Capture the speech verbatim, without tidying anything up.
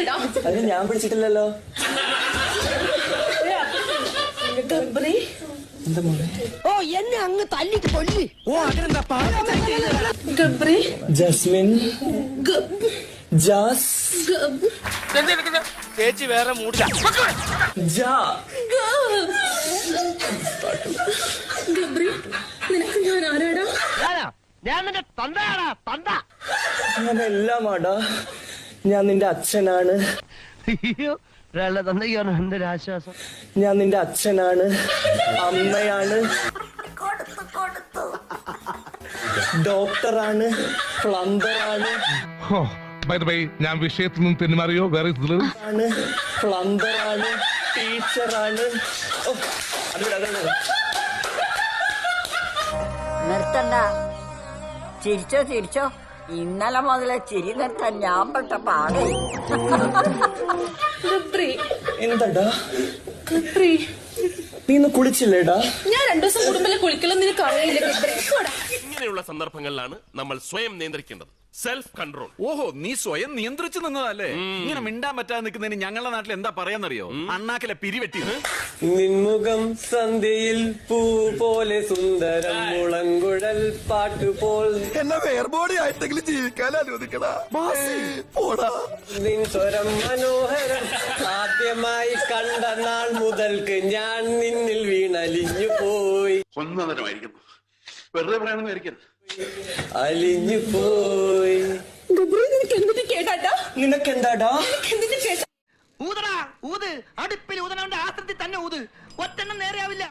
അത് ഞാൻ പിടിച്ചിട്ടില്ലല്ലോ. എന്താ മോനെ? ഓ എന്നെ അങ്ങ് തല്ലിട്ട് കൊല്ലി. ഓ അതിനെന്താ ഗബ്രി ജസ്മിൻ ജാസ് ചേച്ചി വേറെ മൂടില്ല. ജാ ഗബ്രി നിനക്ക് ഞാൻ ആരാടാ? ഞാൻ നിന്റെ തന്തയാടാ തന്ത. ഞാൻ എല്ലാമാടാ. ഞാൻ നിന്റെ അച്ഛനാണ്. ഒരാളുടെ തന്തയ്ക്കാണ് എന്റെ ഒരു ആശ്വാസം. ഞാൻ നിന്റെ അച്ഛനാണ്, അമ്മയാണ്, ഡോക്ടറാണ്, പ്ലംബറാണ്, ഞാൻ വിഷയത്തിൽ നിന്ന് തെന്നുമാറിയോ? വേറെ ആണ് പ്ലംബറാണ്, ടീച്ചറാണ്. നിർത്തണ്ട, ചിരിച്ചോ ചിരിച്ചോ. ഇന്നലെ മുതലേ ചിരി നിർത്താൻ ഞാൻ പെട്ട പാടേ. ഗബ്രി എന്താടാ ഗബ്രി നീ ഇന്ന് കുളിച്ചില്ലേടാ? ഞാൻ രണ്ടു ദിവസം കൂടുമ്പോ കുളിക്കലും നിനക്ക് അറിയില്ല ഗബ്രി. ഇങ്ങനെയുള്ള സന്ദർഭങ്ങളിലാണ് നമ്മൾ സ്വയം നിയന്ത്രിക്കേണ്ടത്. Self control. ഓഹോ, നീ സ്വയം നിയന്ത്രിച്ചു നിന്നതല്ലേ? ഇങ്ങനെ മിണ്ടാൻ പറ്റാതെ നിൽക്കുന്നതിന് ഞങ്ങളുടെ നാട്ടിൽ എന്താ പറയാന്നറിയോ? അണ്ണാക്കിലെ പിരിവെട്ടി. നിൻമുഖം സന്ധ്യയിൽ പൂ പോലെ സുന്ദരം, മുളങ്കുഴൽ പാട്ടുപോൽ എന്നെ വേർബോഡി ആയിട്ടെങ്കിലും ജീവിക്കാൻ അനുവദിക്കടാ. നിൻ സ്വരം മനോഹരം, ആദ്യമായി കണ്ട നാൾ മുതൽക്ക് ഞാൻ നിന്നിൽ വീണലിഞ്ഞു പോയി. ഒന്നതരമായിരിക്കുന്നു. വെറുതെ പറയാനൊന്നും ആയിരിക്കരുത്. അലിഞ്ഞു പോയി. ഗബ്രി നിനക്ക് എന്തിട്ട് കേട്ടാ? നിനക്കെന്താടാ? എന്തിട്ട് കേട്ടാ? ഊതടാ ഊത്. അടുപ്പിൽ ഊതനവന്റെ ആസ്ത്രത്തിൽ തന്നെ ഊത്. ഒറ്റെണ്ണം നേരെയാവില്ല.